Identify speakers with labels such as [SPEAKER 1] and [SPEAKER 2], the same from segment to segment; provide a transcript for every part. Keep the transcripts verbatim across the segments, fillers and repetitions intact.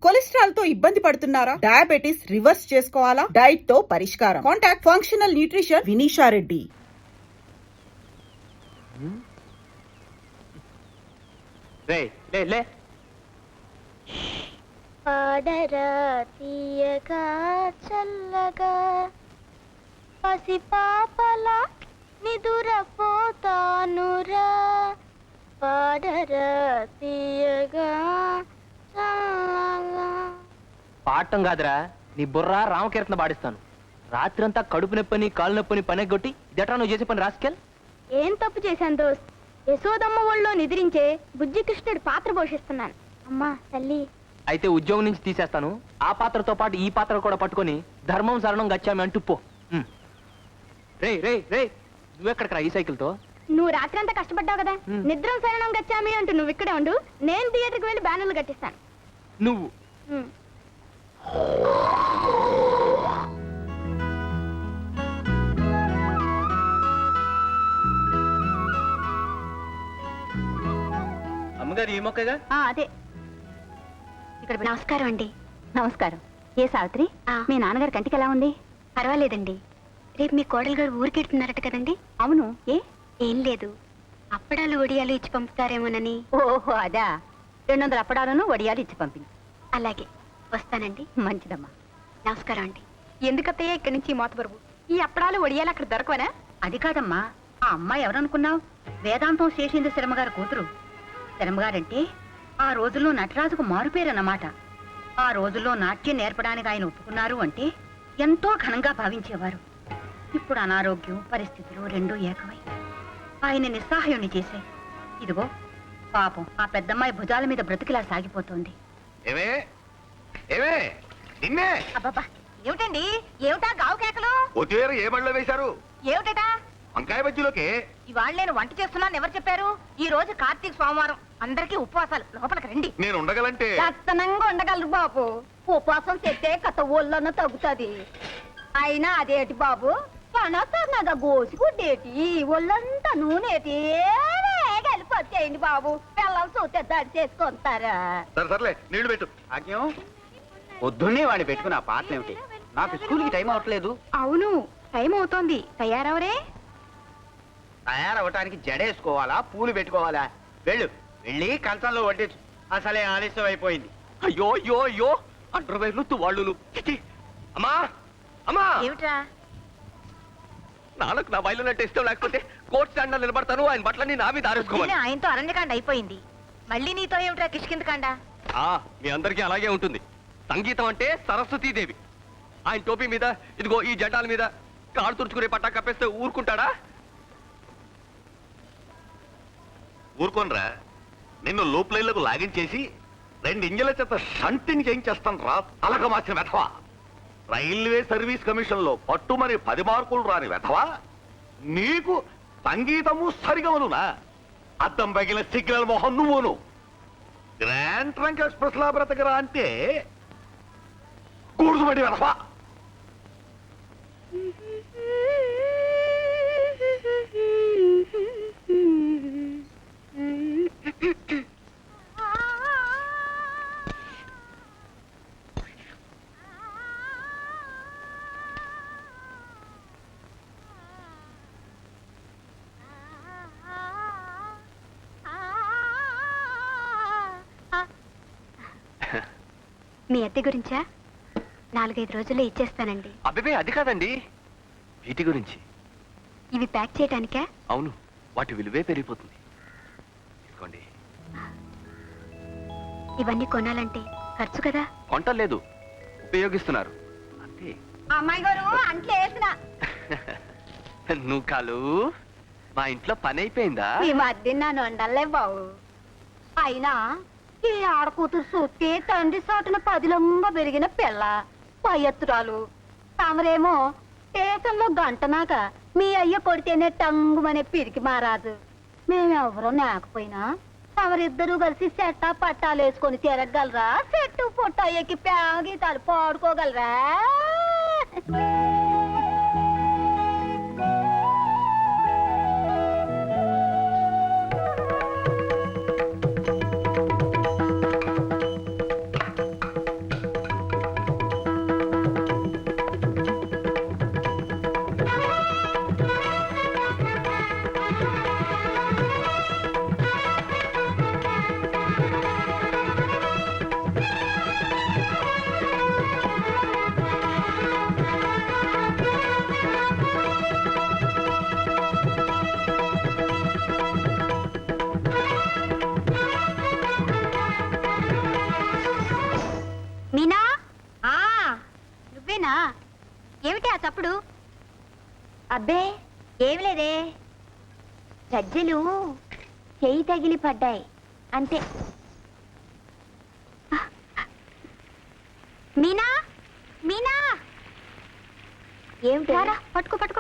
[SPEAKER 1] Cholesterol తో ఇబ్బంది పడుతున్నారా? డయాబెటిస్ రివర్స్ చేసుకోవాలా? డైట్ తో పరిష్కారం. Contact functional nutrition Vinisha Reddy.
[SPEAKER 2] పాడరా తీయగా చల్లగా పసి పాపలా నిదురపోతానురా పాడరా తీయగా చల్లగా.
[SPEAKER 3] పాడటం కాదురా, నీ బుర్ర రామకీర్తన పాడిస్తాను. రాత్రంతా కడుపు నొప్పని కాలు నొప్పని పనెగొట్టి ఇదట్రా నువ్వు చేసే పని రాసుకెళ్ళి.
[SPEAKER 2] ఏం తప్పు చేశాను దోస్త్? యశోదమ్మ ఒళ్ళో నిద్రించే బుజ్జి కృష్ణుడి పాత్ర పోషిస్తున్నాను. అమ్మా తల్లి,
[SPEAKER 3] అయితే ఉద్యోగం నుంచి తీసేస్తాను. ఆ పాత్రతో పాటు ఈ పాత్ర కూడా పట్టుకొని ధర్మం శరణం గచ్చామి అంటూ పో. రే రే రే నువ్వెక్కడికి రా ఈ సైకిల్ తో?
[SPEAKER 2] నువ్వు రాత్రంతా కష్టపడ్డావు కదా, నిద్రం శరణం గచ్చామి అంటూ నువ్వు ఇక్కడే ఉండు, నేను థియేటర్కి వెళ్ళి బ్యానర్లు కట్టిస్తాను.
[SPEAKER 3] నువ్వు
[SPEAKER 2] ఉమ్.
[SPEAKER 3] అమ్మగారు ఈ మొక్కగా
[SPEAKER 2] ఆ, అదే ఇక్కడ. నమస్కారం అండి.
[SPEAKER 4] నమస్కారం. ఏ సావిత్రి, మీ నాన్నగారి కంటికి ఎలా ఉంది?
[SPEAKER 2] పర్వాలేదండి. రేపు మీ కోడలు గారు ఊరికెడుతున్నారట కదండి?
[SPEAKER 4] అవును, ఏ?
[SPEAKER 2] ఏం లేదు, అప్పడాలు ఒడియాలు ఇచ్చి పంపుతారేమోనని.
[SPEAKER 4] ఓహో అదా. రెండు వందల అప్పడాలను వడియాలు ఇచ్చి పంపింది.
[SPEAKER 2] అలాగే, వస్తానండి.
[SPEAKER 4] మంచిదమ్మా.
[SPEAKER 2] నమస్కారం అండి.
[SPEAKER 4] ఎందుకత్తయ్య ఇక్కడి నుంచి మోతబరువు? ఈ అప్పడాలు వడియాలు అక్కడ దొరకవనా? అది కాదమ్మా, ఆ అమ్మాయి ఎవరనుకున్నావు? వేదాంతం శేషేంద్ర శర్మగారి కూతురు. శర్మగారంటే ఆ రోజుల్లో నటరాజుకు మారుపేరన్నమాట. ఆ రోజుల్లో నాట్యం నేర్పడానికి ఆయన ఒప్పుకున్నారు అంటే ఎంతో ఘనంగా భావించేవారు. ఇప్పుడు అనారోగ్యం పరిస్థితులు రెండూ ఏకమై ఆయన నిస్సహాయుణ్ణి చేశాయి. ఇదిగో పాపం ఆ పెద్దమ్మాయి భుజాల మీద బ్రతికిలా సాగిపోతోంది.
[SPEAKER 5] ఏమే ఏమే నిన్నే.
[SPEAKER 4] అబ్బబ్బా, ఏమిటండి? ఏమిటా గావు కేకలు?
[SPEAKER 5] కొత్తిమీర ఏ బడిలో వేశారు?
[SPEAKER 4] ఏమిటా?
[SPEAKER 5] వంకాయ బజ్జీలోకి.
[SPEAKER 4] ఇవాళ నేను వంట చేస్తున్నాను ఎవరు చెప్పారు? ఈ రోజు కార్తీక సోమవారం, అందరికీ ఉపవాసాలు. లోపలికి రండి.
[SPEAKER 5] నేను ఉండగలంటే
[SPEAKER 4] లక్షణంగా ఉండగలరు బాబు. ఉపవాసం చెట్టే కథ ఒళ్ళన్న తగ్గుతుంది. అయినా అదేటి బాబు, పనసన్నగా గోసిగుడ్డేటి, ఒళ్ళంతా నూనెటి కలిపొచ్చేయండి బాబు. పిల్లలు చూస్తే దాడి చేసుకుంటారా?
[SPEAKER 5] సరే సర్లే నీళ్లు పెట్టు.
[SPEAKER 6] ఆజ్ఞం, పొద్దున్నే వాడిని పెట్టుకుని ఆ పాటలు ఏమిటి? నాకు స్కూల్కి టైం అవ్వట్లేదు.
[SPEAKER 4] అవును, టైం అవుతోంది. తయారవరే?
[SPEAKER 6] తయారవటానికి జడేసుకోవాలా, పూలు పెట్టుకోవాలా? వెళ్ళు, వెళ్ళి కంచంలో వడ్డించు. అసలే ఆలస్యం అయిపోయింది.
[SPEAKER 5] అయ్యో అయ్యో అయ్యో అండర్వేర్లు తువాళ్ళు. అమ్మా అమ్మా,
[SPEAKER 4] ఏమిట్రా?
[SPEAKER 5] నాన్నకు నా బయలు నట్టు ఇష్టం లేకపోతే కోర్ట్ స్టాండ్ నిలబడతాను. ఆయన బట్టలన్నీ నా మీద ఆరేసుకోవాలి.
[SPEAKER 4] ఆయనతో అరణ్యకాండ అయిపోయింది, మళ్ళీ నీతో ఏమిట్రా కిష్కిందకాండ?
[SPEAKER 5] ఆ, మీ అందరికీ అలాగే ఉంటుంది. సంగీతం అంటే సరస్వతీదేవి. ఆయన టోపీ మీద ఇదిగో ఈ జెండాల మీద కాడు తుడుచుకునే పట్టా కప్పేస్తే ఊరుకుంటాడా? ఊరుకోనరా. నిన్ను లూప్ లైన్లకు లాగించేసి రెండు ఇంజల చేత షంటింగ్ చేయించేస్తాను రా తలక మార్చిన వెధవా. రైల్వే సర్వీస్ కమిషన్ లో పట్టు మరి పది మార్కులు రాని వెధవా. నీకు సంగీతము సరిగమనునా? అద్దం పగిలిన సిగ్నల్ మొహం నువ్వును. గ్రాండ్ ట్రంక్ ఎక్స్ప్రెస్ లా బ్రతకరా అంటే కూర్చుబడి వెధవా.
[SPEAKER 2] మీ అద్దె గురించా? నాలుగైదు రోజుల్లో ఇచ్చేస్తానండి.
[SPEAKER 5] అబ్బే అది కాదండి, వీటి గురించి.
[SPEAKER 2] ఇవి ప్యాక్ చేయడానికా?
[SPEAKER 5] అవును, వాటి విలువే పెరిగిపోతుంది. ఇదిగోండి.
[SPEAKER 2] ఇవన్నీ కొనాలంటే ఖర్చు కదా.
[SPEAKER 5] కొంటలేదు, ఉపయోగిస్తున్నారు అంతే.
[SPEAKER 4] అమ్మాయి గారు అంట్లో వేసిన
[SPEAKER 5] నువ్వు కాలు మా ఇంట్లో పని అయిపోయిందా?
[SPEAKER 4] ఈ మధ్య నన్ను వండలే బావు. అయినా ఈ ఆడకూతురు చూస్తే తండ్రి సాటున పదిలంగా పెరిగిన పిల్ల పయ్యత్తురాలు. తమరేమో స్టేషన్లో గంటనాక మీ అయ్య కొడితేనే టంగుమనే పిరికి మారాదు. మేమెవరో లేకపోయినా తమరిద్దరూ కలిసి చెట్టా పట్టాలు వేసుకొని తిరగలరా? చెట్టు పొట్ట ఎక్కి ప్యాగీతాలు పాడుకోగలరా? ఏమిటి ఆ చప్పుడు? అబ్బే ఏమి లేదే, గజ్జెలు చెయ్యి తగిలి పడ్డాయి అంతే. మీనా మీనా ఏమిటి? పట్టుకో పట్టుకో.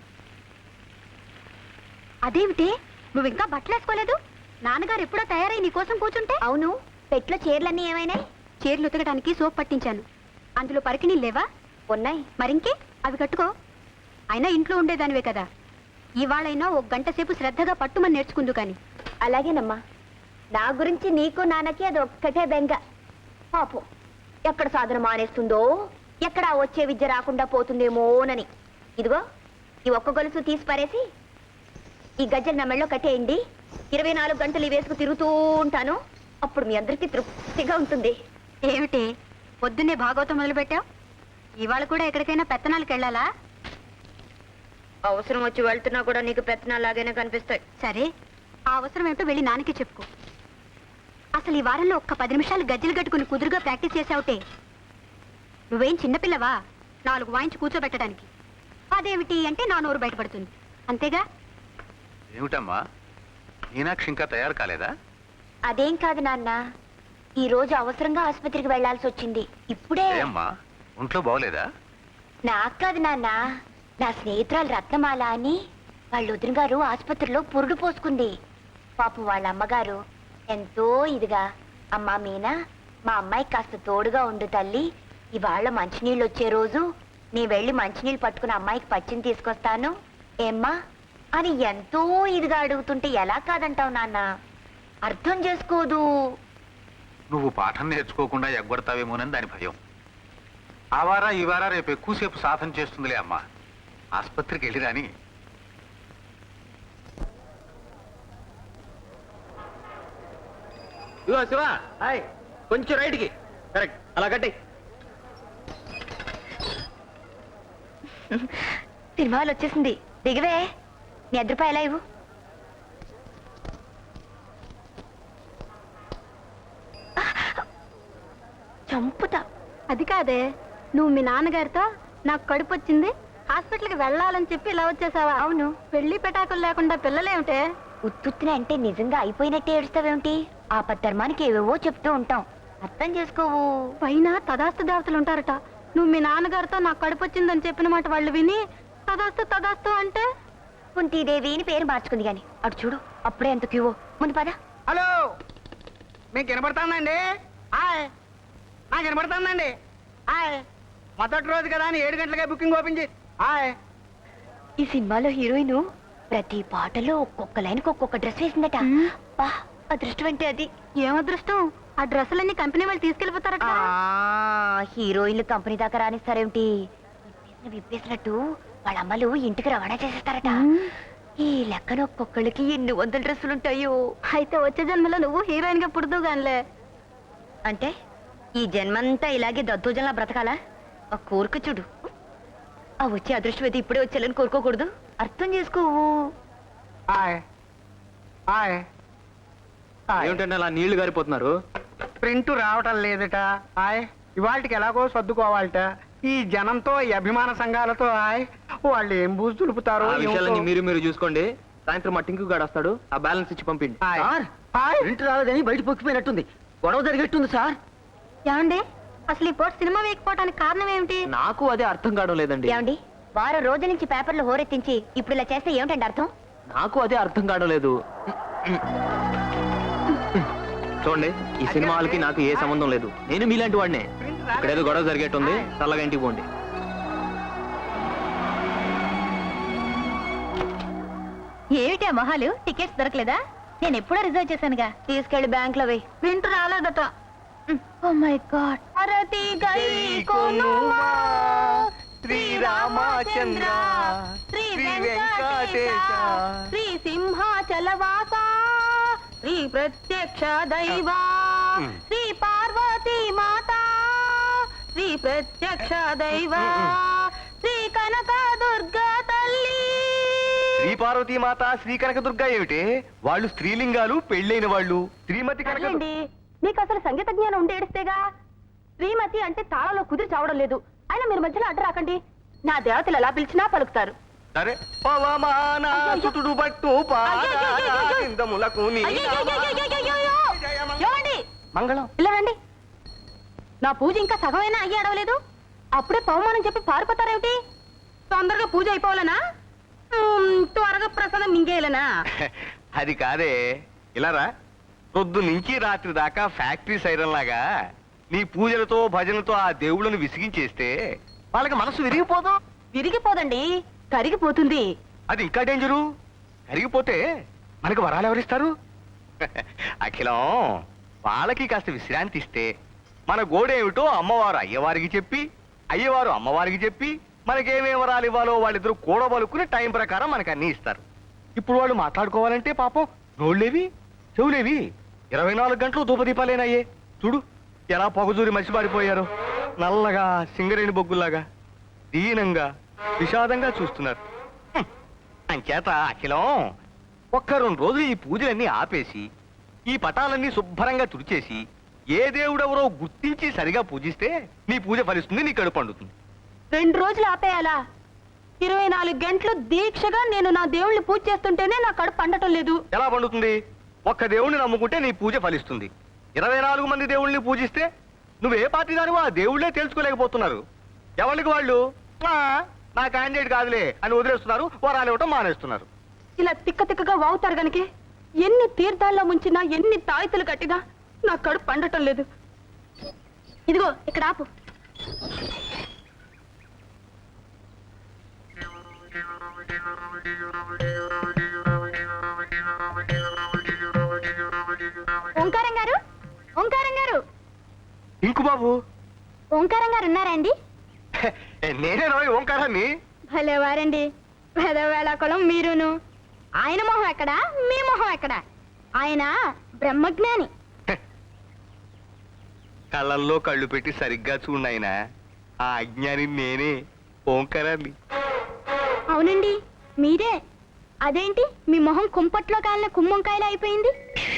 [SPEAKER 4] అదేమిటి నువ్వు ఇంకా బట్టలు వేసుకోలేదు? నాన్నగారు ఎప్పుడో తయారై నీ కోసం కూర్చుంటే. అవును, పెట్లో చీరలన్నీ ఏమైనాయి? చీరలు ఉతకడానికి సోప్ పట్టించాను. అందులో పరికిణీ లేవా? ఉన్నాయి. మరింకే అవి కట్టుకో. అయినా ఇంట్లో ఉండేదానివే కదా, ఇవాళైనా ఒక గంట సేపు శ్రద్ధగా పట్టుమని నేర్చుకుందు కాని. అలాగేనమ్మా. నా గురించి నీకు నాన్నకి అది ఒక్కటే బెంగ. పాపం ఎక్కడ సాధన మానేస్తుందో, ఎక్కడ వచ్చే విద్య రాకుండా పోతుందేమోనని. ఇదిగో ఈ ఒక్క గొలుసు తీసి పారేసి ఈ గజ్జలు నా మెళ్ళో కట్టేయండి. ఇరవై నాలుగు గంటలు ఈ వేసుకు తిరుగుతూ ఉంటాను. అప్పుడు మీ అందరికీ తృప్తిగా ఉంటుంది. ఏమిటి పొద్దున్నే భాగవతం మొదలు పెట్టావు? ఇవాళ కూడా ఎక్కడికైనా పెత్తనాలకు వెళ్ళాలా? అవసరం వచ్చి వెళ్తున్నా కూడా నీకు పెత్తనాలాగానే కనిపిస్తాయి. సరే, ఆ అవసరం ఏమిటో వెళ్ళి నాన్నకి చెప్పుకో. అసలు ఈ వారంలో ఒక్క పది నిమిషాలు గజ్జలు కట్టుకుని కుదురుగా ప్రాక్టీస్ చేసావుటే. నువ్వేం చిన్నపిల్లవా నాలుగు వాయించి కూర్చోబెట్టడానికి? అదేమిటి అంటే నా నోరు బయటపడుతుంది అంతేగా.
[SPEAKER 5] ఏమిటమ్మా, మీనాక్షి ఇంకా తయారు కాలేదా?
[SPEAKER 4] అదేం కాదు నాన్న, ఈ రోజు అవసరంగా ఆసుపత్రికి వెళ్లాల్సి వచ్చింది. ఇప్పుడే.
[SPEAKER 5] అమ్మా, ఒంట్లో బాగోలేదా?
[SPEAKER 4] నాకు కాదు నాన్న, నా స్నేహితురాలు రత్నమాల అని వాళ్ళ వదిన గారు ఆసుపత్రిలో పురుడు పోసుకుంది. పాపం వాళ్ళ అమ్మగారు ఎంతో ఇదిగా, అమ్మా మీనా మా అమ్మాయికి కాస్త తోడుగా ఉండు తల్లి, ఇవాళ మంచినీళ్ళు వచ్చే రోజు నీ వెళ్ళి మంచినీళ్ళు పట్టుకుని అమ్మాయికి పచ్చిని తీసుకొస్తాను ఏమ్మా అని ఎంతో ఇదిగా అడుగుతుంటే ఎలా కాదంటావు నాన్న? అర్థం చేసుకోదు.
[SPEAKER 5] నువ్వు పాఠం నేర్చుకోకుండా ఎగ్గొడతావేమోనని దాని భయం. ఆ వారా ఈ వారా రేపు ఎక్కువసేపు సాధన చేస్తుందిలే అమ్మా. ఆసుపత్రికి వెళ్ళి రాని.
[SPEAKER 3] ఇదిగో శివ, హాయ్, కొంచెం రైట్కి. కరెక్ట్, అలా కట్టి.
[SPEAKER 4] సినిమాలు వచ్చేసింది, దిగవే. నీ అర్ధ రూపాయలు ఎలా ఇవ్వు. చంపుతా.
[SPEAKER 2] అది కాదే, నువ్వు మీ నాన్నగారితో నాకు కడుపు వచ్చింది హాస్పిటల్కి వెళ్ళాలని చెప్పి ఇలా వచ్చేసావా?
[SPEAKER 4] అవును.
[SPEAKER 2] పెళ్లి పెటాకులు లేకుండా పిల్లలేమిటే?
[SPEAKER 4] ఉత్తుత్తిన అంటే నిజంగా అయిపోయినట్టే ఏడుస్తావేమిటి? ఆపద్ధర్మానికి ఏవేవో చెప్తూ ఉంటాం, అర్థం చేసుకోవు.
[SPEAKER 2] పైన తదాస్తు దేవతలు ఉంటారట. నువ్వు మీ నాన్నగారితో నాకు కడుపు వచ్చిందని చెప్పిన మాట వాళ్ళు విని తదాస్తు తదాస్తు అంటే
[SPEAKER 4] కుంతీదేవి అని పేరు మార్చుకుంది గాని అటు చూడు, అప్పుడే ఎంత క్యూవో. ముందు పద.
[SPEAKER 6] హలో, మీకు వినపడుతుందండి? హాయ్, నాకు వినపడుతుందండి. హాయ్, మొదటి రోజు కదా అని ఏడు గంటలకే బుకింగ్ ఓపెన్ చేసి. హాయ్,
[SPEAKER 4] ఈ సినిమాలో హీరోయిన్ ప్రతి పాటలో ఒక్కొక్క లైన్కి ఒక్కొక్క డ్రెస్ వేసిందట. బా, అదృష్టం అంటే అది.
[SPEAKER 2] ఏం అదృష్టం, ఆ డ్రెస్సులన్నీ కంపెనీ వాళ్ళు తీసుకెళ్లిపోతారట.
[SPEAKER 4] ఆ, హీరోయిన్లు కంపెనీ దాకా రానిస్తారేమిటి? విప్పేసిన విప్పేసినట్టు వాళ్ళ అమ్మలు ఇంటికి రవాణా చేసేస్తారట. ఈ లెక్కన ఒక్కొక్కళ్ళకి ఎన్ని వందల డ్రెస్సులుంటాయో.
[SPEAKER 2] అయితే వచ్చే జన్మలో నువ్వు హీరోయిన్ గా పుడుతూ గానిలే.
[SPEAKER 4] అంటే ఈ జన్మంతా ఇలాగే దద్దోజనలా బ్రతకాలా? ఆ కోరిక చూడు. ఆ వచ్చే అదృష్టం అయితే ఇప్పుడే వచ్చేయాలని కోరుకోకూడదు, అర్థం చేసుకోవు.
[SPEAKER 6] Hi, hi, hi.
[SPEAKER 3] ఏమిటంటే అలా నీళ్లు గారిపోతున్నారు?
[SPEAKER 6] ప్రింట్ రావటం లేదట. హాయ్, ఇవాళకి ఎలాగో సర్దుకోవాలట. ఈ జనంతో, ఈ అభిమాన సంఘాలతో హాయ్, వాళ్ళు ఏం బూజు దులుపుతారో
[SPEAKER 3] ఆ విషయాలన్నీ
[SPEAKER 6] ఏమిటో.
[SPEAKER 3] మీరు మీరు చూసుకోండి. సాయంత్రం మా టింకు గాడు వస్తాడు, ఆ బ్యాలెన్స్ ఇచ్చి పంపిండి.
[SPEAKER 6] హాయ్.
[SPEAKER 7] Sir,
[SPEAKER 6] hi.
[SPEAKER 7] ప్రింట్ రాలేదని బయట పొక్కిపోయినట్టుంది. గొడవ జరిగేట్టుంది సార్.
[SPEAKER 2] ఏమండి, అసలు ఈ పూట సినిమా వేయకపోవడానికి కారణం ఏమిటి?
[SPEAKER 3] నాకు అదే అర్థం కావడం లేదండి.
[SPEAKER 4] ఏమండి, వారం రోజుల నుంచి పేపర్లు హోరెత్తించి ఇప్పుడు ఇలా చేస్తే ఏమిటండి అర్థం?
[SPEAKER 3] నాకు అదే అర్థం కావడం లేదు. చూడండి, ఈ సినిమా వాళ్ళకి నాకు ఏ సంబంధం లేదు. నేను మీలాంటి వాడినే. ఇక్కడ ఏదో గొడవ జరిగేట్టుంది, చల్లగా ఇంటికి పోండి.
[SPEAKER 4] ఏమిటి ఆ మొహాలు? టికెట్స్ దొరకలేదా? నేను ఎప్పుడో రిజర్వ్ చేశానుగా. తీసుకెళ్లి బ్యాంక్ లో వేయి.
[SPEAKER 2] ప్రింట్ రాలేదట.
[SPEAKER 4] Oh my god.
[SPEAKER 2] భారతి గై కొనుమా,
[SPEAKER 6] శ్రీ రామచంద్ర,
[SPEAKER 2] శ్రీ
[SPEAKER 6] శ్రీ
[SPEAKER 2] వెంకటేశ,
[SPEAKER 6] వెంకటేశ,
[SPEAKER 2] శ్రీ సింహాచలవాస, శ్రీ ప్రత్యక్ష దైవా, శ్రీ పార్వతీ మాత, శ్రీ ప్రత్యక్ష దైవా, శ్రీ కనక దుర్గా తల్లి.
[SPEAKER 8] శ్రీ పార్వతీ మాత, శ్రీ కనకదుర్గ ఏమిటి? వాళ్ళు స్త్రీలింగాలు, పెళ్ళైన వాళ్ళు. శ్రీమతి కనక
[SPEAKER 2] సర్లేండి, నీకు అసలు సంగీత జ్ఞానం ఉండి ఏడిస్తేగా. శ్రీమతి అంటే తాళంలో కుదిరి చావడం లేదు.
[SPEAKER 4] అయినా మీరు మధ్యలో అడ్డు రాకండి. నా దేవతలు ఎలా పిలిచినా పలుకుతారు.
[SPEAKER 8] సరే పవమాన
[SPEAKER 4] అయ్యయ్యో.
[SPEAKER 8] సుతుడు పట్టు
[SPEAKER 4] అయ్యయ్యయ్యయ్యయ్యో.
[SPEAKER 8] పాదములకు నీ
[SPEAKER 4] అయ్యయ్యయ్యయ్యయ్యయ్యయ్యో. ఏమండి?
[SPEAKER 3] మంగళం
[SPEAKER 4] ఇలా రండి. నా పూజ ఇంకా సగమైనా అయ్యి అడవలేదు, అప్పుడే పవమానం చెప్పి పారిపోతారేమిటి? తొందరగా పూజ అయిపోవాలనా? ఉమ్, త్వరగా ప్రసాదం మింగేయాలనా?
[SPEAKER 8] అది కాదే, ఇలారా పొద్దు నుంచి రాత్రి దాకా ఫ్యాక్టరీ సైరన్ లాగా నీ పూజలతో భజనతో ఆ దేవుళ్ళను విసిగించేస్తే వాళ్ళకి మనసు విరిగిపోదు.
[SPEAKER 4] విరిగిపోదండి, కరిగిపోతుంది.
[SPEAKER 8] అది ఇంకా డేంజరు. కరిగిపోతే మనకి వరాలు ఎవరిస్తారు? అఖిలం, వాళ్ళకి కాస్త విశ్రాంతి ఇస్తే మన గోడేమిటో అమ్మవారు అయ్యవారికి చెప్పి, అయ్యవారు అమ్మవారికి చెప్పి మనకేమేం వరాలు ఇవ్వాలో వాళ్ళిద్దరూ కూడబలుకుని టైం ప్రకారం మనకు అన్ని ఇస్తారు. ఇప్పుడు వాళ్ళు మాట్లాడుకోవాలంటే పాపం నోళ్ళేవి చెవులేవి ఇరవై నాలుగు గంటలు ధూపదీపాలేనాయే. చూడు ఎలా పొగజూరి మసిపారిపోయారు. నల్లగా సింగరేణి బొగ్గుల్లాగా దీనంగా విషాదంగా చూస్తున్నారు. హ్మ్. అంచేత అఖిలం ఒక్క రెండు రోజులు ఈ పూజలన్నీ ఆపేసి ఈ పటాలన్నీ శుభ్రంగా తుడిచేసి ఏ దేవుడెవరో గుర్తించి సరిగా పూజిస్తే నీ పూజ ఫలిస్తుంది, నీ కడుపు పండుతుంది.
[SPEAKER 4] రెండు రోజులు ఆపేయాలా? ఇరవై నాలుగు గంటలు దీక్షగా నేను నా దేవుళ్ళని పూజ చేస్తుంటేనే నా కడుపు పండటం లేదు.
[SPEAKER 8] ఎలా పండుతుంది? ఒక్క దేవుణ్ణి నమ్ముకుంటే నీ పూజ ఫలిస్తుంది. ఇరవై నాలుగు మంది దేవుళ్ళని పూజిస్తే నువ్వే పార్టీ దానివో ఆ దేవుళ్ళే తెలుసుకోలేకపోతున్నారు. ఎవరికి వాళ్ళు "ఆ, నా క్యాండిడేట్ కాదులే అని వదిలేస్తున్నారు, వరాలు ఇవ్వటం మానేస్తున్నారు.
[SPEAKER 4] ఇలా తిక్క తిక్కగా వాగుతారు గనకే ఎన్ని తీర్థాల్లో ముంచినా, ఎన్ని తాయితులు కట్టినా నా కడుపు పండటం లేదు. ఇదిగో ఇక్కడ ఆపు. ఓంకారం గారు, ఓంకారం గారు,
[SPEAKER 8] ఇంకు బాబు,
[SPEAKER 2] ఓంకారం గారు ఉన్నారా అండి?
[SPEAKER 8] నేనే రోయ్ ఓంకారాన్ని.
[SPEAKER 2] భలేవారండి, పెదవేళాకులం మీరును. ఆయన మొహం ఎక్కడా, మీ మొహం ఎక్కడా? ఆయన బ్రహ్మజ్ఞాని.
[SPEAKER 8] కళ్ళల్లో కళ్ళు పెట్టి సరిగ్గా చూడాయన ఆ అజ్ఞాని నేనే ఓంకారాన్ని.
[SPEAKER 2] అవునండి, మీరే. అదేంటి మీ మొహం కుంపట్లో కాలిన కుమ్మంకాయలు అయిపోయింది?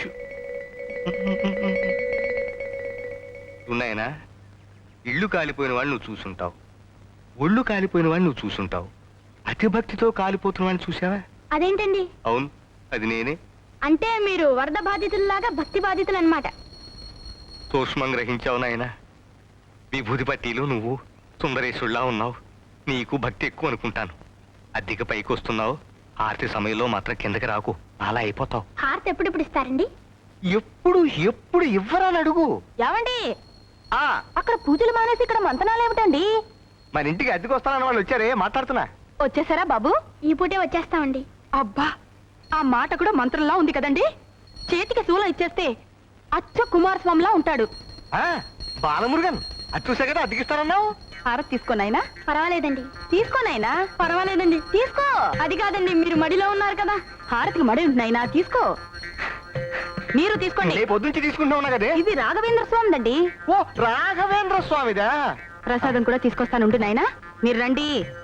[SPEAKER 8] ఉన్నాయనా, ఇళ్ళు కాలిపోయిన వాళ్ళు నువ్వు చూసుంటావు, ఒళ్ళు కాలిపోయిన వాడిని నువ్వు చూసుంటావు, అతి భక్తితో కాలిపోతున్న వాడిని చూసావా?
[SPEAKER 2] అదేంటండి?
[SPEAKER 8] అవును, అది నేనే.
[SPEAKER 2] అంటే మీరు వరద బాధితుల్లాగా భక్తి బాధితులు అన్నమాట.
[SPEAKER 8] సూక్ష్మం గ్రహించావు నాయన. విభూతి పట్టీలు నువ్వు సుందరేశుల్లా ఉన్నావు. నీకు భక్తి ఎక్కువ అనుకుంటాను. అద్దెకి పైకి వస్తున్నావు, ఆర్తి సమయంలో మాత్రం కిందకి రాకు, అలా అయిపోతావు.
[SPEAKER 2] హారతి ఎప్పుడెప్పుడు ఇస్తారండి?
[SPEAKER 8] ఎప్పుడు ఎప్పుడు ఇవ్వరాని అడుగు.
[SPEAKER 4] ఏమండి?
[SPEAKER 8] ఆ
[SPEAKER 4] అక్కడ పూజలు మానేసి ఇక్కడ మంతనాలు ఏమిటండి?
[SPEAKER 8] మన ఇంటికి అద్దెకి వస్తానన్న వాళ్ళు వచ్చారే, మాట్లాడుతున్నా.
[SPEAKER 4] వచ్చేసారా బాబు?
[SPEAKER 2] ఈ పూటే వచ్చేస్తామండి.
[SPEAKER 4] అబ్బా, ఆ మాట కూడా మంత్రంలా ఉంది కదండి. చేతికి శూలం ఇచ్చేస్తే అచ్చ కుమారస్వామిలా ఉంటాడు.
[SPEAKER 8] ఆ బాలమురుగన్, అది చూసా కదా అద్దెకిస్తానన్నావు.
[SPEAKER 4] హారతి తీసుకోనైనా?
[SPEAKER 2] పర్వాలేదండి.
[SPEAKER 4] తీసుకోనైనా?
[SPEAKER 2] పర్వాలేదండి.
[SPEAKER 4] తీసుకో.
[SPEAKER 2] అది కాదండి, మీరు మడిలో ఉన్నారు కదా.
[SPEAKER 4] హారతికి మడి ఉంటున్నాయినా? తీసుకో. మీరు తీసుకోండి.
[SPEAKER 8] నీ పొద్దుంచి తీసుకుంటున్నా కదే.
[SPEAKER 4] ఇది రాఘవేంద్ర స్వామిదండి.
[SPEAKER 8] ఓ రాఘవేంద్ర స్వామిదా?
[SPEAKER 4] ప్రసాదం కూడా తీసుకొస్తానుండు నాయనా, మీరు రండి.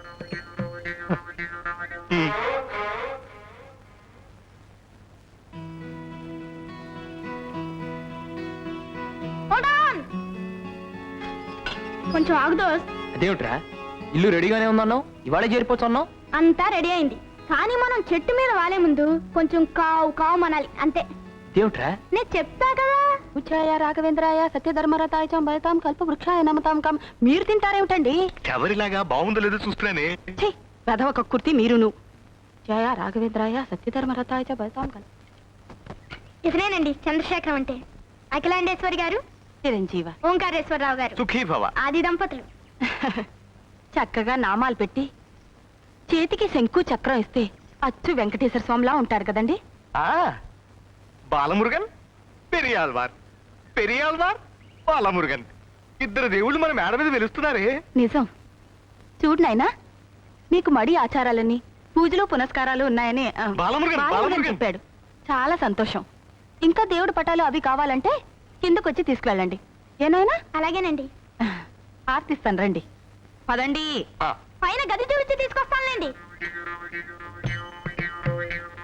[SPEAKER 8] ఉమ్.
[SPEAKER 2] Hold on. కొంచెం ఆగు దోస్త్.
[SPEAKER 3] అదేమిట్రా, ఇల్లు రెడీగానే ఉందన్నావు, ఇవాళే చేరిపోతున్నావు.
[SPEAKER 2] అంతా రెడీ అయింది, కానీ మనం చెట్టు మీద వాలే ముందు కొంచెం కావు కావు మనాలి అంతే.
[SPEAKER 3] అదేమిట్రా?
[SPEAKER 2] నేను చెప్తా కదా.
[SPEAKER 4] ఉచ్చాయ రాఘవేంద్రాయ సత్యధర్మరతాయ చ భయతాం కల్ప వృక్షాయ నమతాం కం. మీరు తింటారేమిటండి?
[SPEAKER 8] ఎవరిలాగా బాగుందో లేదో చూస్తున్నానే.
[SPEAKER 4] ఛీ, వెధవ కక్కుర్తి మీరును. జయ రాఘవేంద్రాయ సత్యధర్మరతాయ చ భయతాం కల్ప.
[SPEAKER 2] ఇతనేనండి చంద్రశేఖరం అంటే. అఖిలాండేశ్వరి గారు,
[SPEAKER 4] చిరంజీవ.
[SPEAKER 2] ఓంకారేశ్వరరావు గారు,
[SPEAKER 8] సుఖీ భవ.
[SPEAKER 2] ఆది దంపతులు.
[SPEAKER 4] చక్కగా నామాలు పెట్టి చేతికి శంకు చక్రం ఇస్తే అచ్చు వెంకటేశ్వర స్వామిలా ఉంటారు కదండి.
[SPEAKER 8] ఆ బాలమురుగన్, పెరియాల్వార్, పెరియాల్వార్, బాలమురుగన్, ఇద్దరు దేవుళ్ళు మన మేడ మీద వెలుస్తున్నారే.
[SPEAKER 4] నిజం. చూడు నాయనా, మీకు మడి ఆచారాలన్నీ పూజలు పునస్కారాలు ఉన్నాయని ఆ,
[SPEAKER 8] బాలమురుగన్,
[SPEAKER 4] బాలమురుగన్
[SPEAKER 8] బాలమురుగన్.
[SPEAKER 4] చెప్పాడు. చాలా సంతోషం. ఇంకా దేవుడి పటాలు అవి కావాలంటే కిందకొచ్చి తీసుకువెళ్ళండి. ఏనాయనా?
[SPEAKER 2] అలాగేనండి.
[SPEAKER 4] ఆర్తిస్తాను, రండి. పదండి.
[SPEAKER 8] ఆ,
[SPEAKER 2] పైన గది చూపించి తీసుకొస్తానులేండి.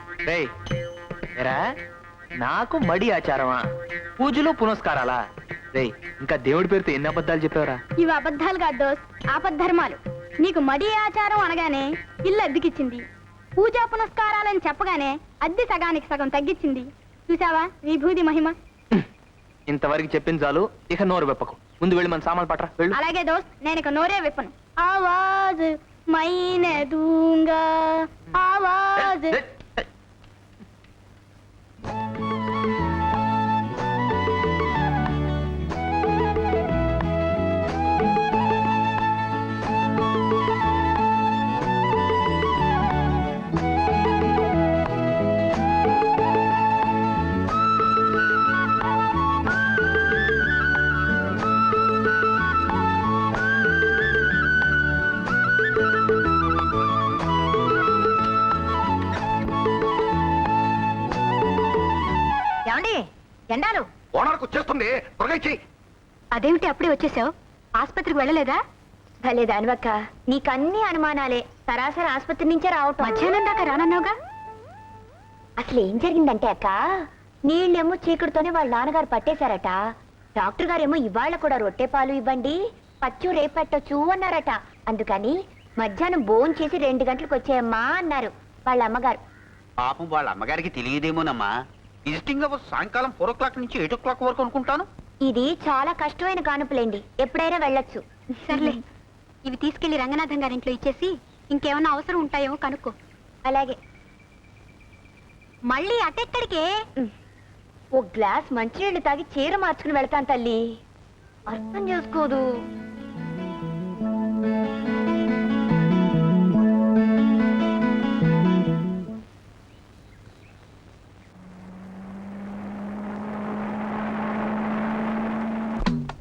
[SPEAKER 3] రేయ్, ఏరా, నాకు మడి ఆచారమా, పూజలు పునస్కారాలా? రేయ్ ఇంకా దేవుడి పేరుతో ఎన్ని అబద్ధాలు చెప్పావరా?
[SPEAKER 2] ఇవి అబద్ధాలు కాదు దోస్త్, ఆపద్ధర్మాలు. నీకు మడి ఆచారం అనగానే ఇల్లు అద్దెకిచ్చింది, పూజా పునస్కారాలని చెప్పగానే అద్దె సగానికి సగం తగ్గించింది. చూసావా విభూది మహిమ.
[SPEAKER 3] ఇంతవరకు చెప్పింది చాలు, ఇక నోరు వెప్పకు. ముందు వెళ్ళి మన సామాన్లు పట్రా వెళ్ళు.
[SPEAKER 2] అలాగే దోస్త్, నేను ఇక నోరే విప్పను. ఆవాజ్ మైనే దూంగా ఆవాజ్.
[SPEAKER 3] ఏయ్, ఏయ్.
[SPEAKER 4] ఏమండి ఎండాలు?
[SPEAKER 5] ఓనర్కు వచ్చేస్తుంది, త్వరగా ఇచ్చేయి.
[SPEAKER 4] అదేమిటి అప్పుడే వచ్చేసావు? ఆసుపత్రికి వెళ్ళలేదా? భలే దానివక్క, నీకన్నీ అనుమానాలే. సరాసరి ఆసుపత్రి నుంచే రావటం. మధ్యాహ్నం దాకా రానన్నావుగా. అసలు ఏం జరిగిందంటే అక్క, నీళ్ళేమో చీకటితోనే వాళ్ళ నాన్నగారు పట్టేశారట. డాక్టర్ గారేమో ఇవాళ కూడా రొట్టె పాలు ఇవ్వండి, పచ్చు రేపు పెట్టొచ్చు అన్నారట. అందుకని మధ్యాహ్నం భోజనం చేసి రెండు గంటలకు వచ్చేయమ్మా అన్నారు వాళ్ళ అమ్మగారు.
[SPEAKER 6] పాపం వాళ్ళ అమ్మగారికి తెలియదేమోనమ్మా. విజిటింగ్ అవర్స్ సాయంకాలం ఫోర్ ఓ క్లాక్ నుంచి ఎయిట్ ఓ క్లాక్ వరకు అనుకుంటాను.
[SPEAKER 4] ఇది చాలా కష్టమైన కానుపులేండి, ఎప్పుడైనా వెళ్ళొచ్చు. సర్లే, ఇవి తీసుకెళ్లి రంగనాథం గారింట్లో ఇచ్చేసి ఇంకేమన్నా అవసరం ఉంటాయేమో కనుక్కో. అలాగే. మళ్ళీ అటెక్కడికే? ఓ గ్లాస్ మంచినీళ్ళు తాగి చీర మార్చుకుని వెళ్తాను తల్లి. అర్థం చేసుకోదు.